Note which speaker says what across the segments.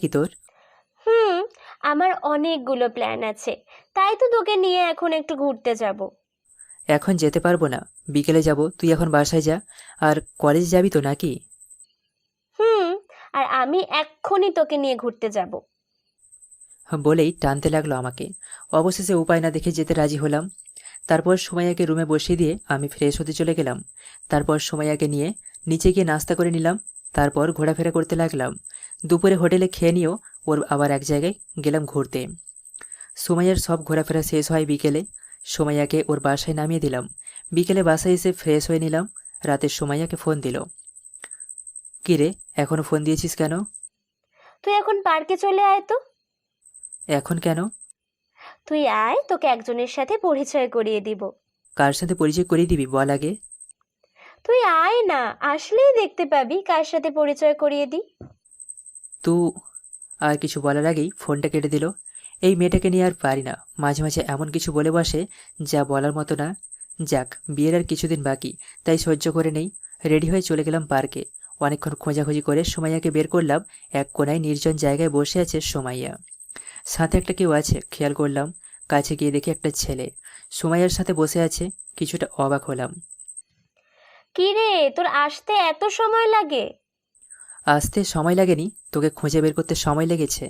Speaker 1: কি তোর?
Speaker 2: হুম, আমার অনেকগুলো প্ল্যান আছে, তাই তো তোকে নিয়ে এখন একটু ঘুরতে যাব।
Speaker 1: এখন যেতে পারবো না, বিকেলে যাব। তুই এখন বাসায় যা। আর কলেজ যাবি তো নাকি?
Speaker 2: হুম, আর আমি এক্ষুনি তোকে নিয়ে ঘুরতে যাব।
Speaker 1: বলেই টানতে লাগলো আমাকে। অবশেষে উপায় না দেখে যেতে রাজি হলাম। তারপর সুমাইয়াকে রুমে বসিয়ে দিয়ে আমি ফ্রেশ হতে চলে গেলাম। তারপর সুমাইয়াকে নিয়ে নিচে গিয়ে নাস্তা করে নিলাম। তারপর ঘোরাফেরা করতে লাগলাম। দুপুরে হোটেলে খেয়ে নিয়েও ওর আবার এক জায়গায় গেলাম ঘুরতে। সুমাইয়ার সব ঘোরাফেরা শেষ হয় বিকেলে। সুমাইয়াকে ওর বাসায় নামিয়ে দিলাম। বিকেলে বাসায় এসে ফ্রেশ হয়ে নিলাম। রাতে সুমাইয়াকে ফোন দিল। কি রে, এখনো ফোন দিয়েছিস কেন?
Speaker 2: তুই এখন পার্কে চলে আয় তো।
Speaker 1: এখন কেন?
Speaker 2: তুই আয়, তোকে একজনের সাথে পরিচয় করিয়ে দিব।
Speaker 1: কার সাথে পরিচয় করিয়ে দিবি বল আগে।
Speaker 2: তুই আয় না, আসলেই দেখতে পাবি কার সাথে পরিচয় করিয়ে দিই।
Speaker 1: তু আর কিছু বলার আগেই ফোনটা কেটে দিল। এই মেয়েটাকে নিয়ে আর পারি না, মাঝে মাঝে এমন কিছু বলে বসে যা বলার মতো না। যাক, বিয়ের আর কিছুদিন বাকি, তাই সহ্য করে নেই। রেডি হয়ে চলে গেলাম পার্কে। অনেকক্ষণ খোঁজাখুঁজি করে সুমাইয়াকে বের করলাম। এক কোনায় নির্জন জায়গায় বসে আছে সুমাইয়া। সাথে একটা কেউ আছে খেয়াল করলাম। কাছে গিয়ে দেখি একটা ছেলে সুমাইয়ার সাথে বসে আছে। কিছুটা অবাক হলাম।
Speaker 2: কি রে, তোর আসতে এত সময় লাগে?
Speaker 1: আসতে সময় লাগেনি, তোকে খুঁজে বের করতে সময় লেগেছে।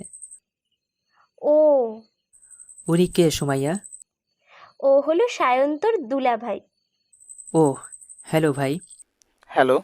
Speaker 2: ও,
Speaker 1: উনি কে সুমাইয়া?
Speaker 2: ও হলো সায়ন্তর দুলাভাই।
Speaker 1: ও, হ্যালো ভাই।
Speaker 3: হ্যালো।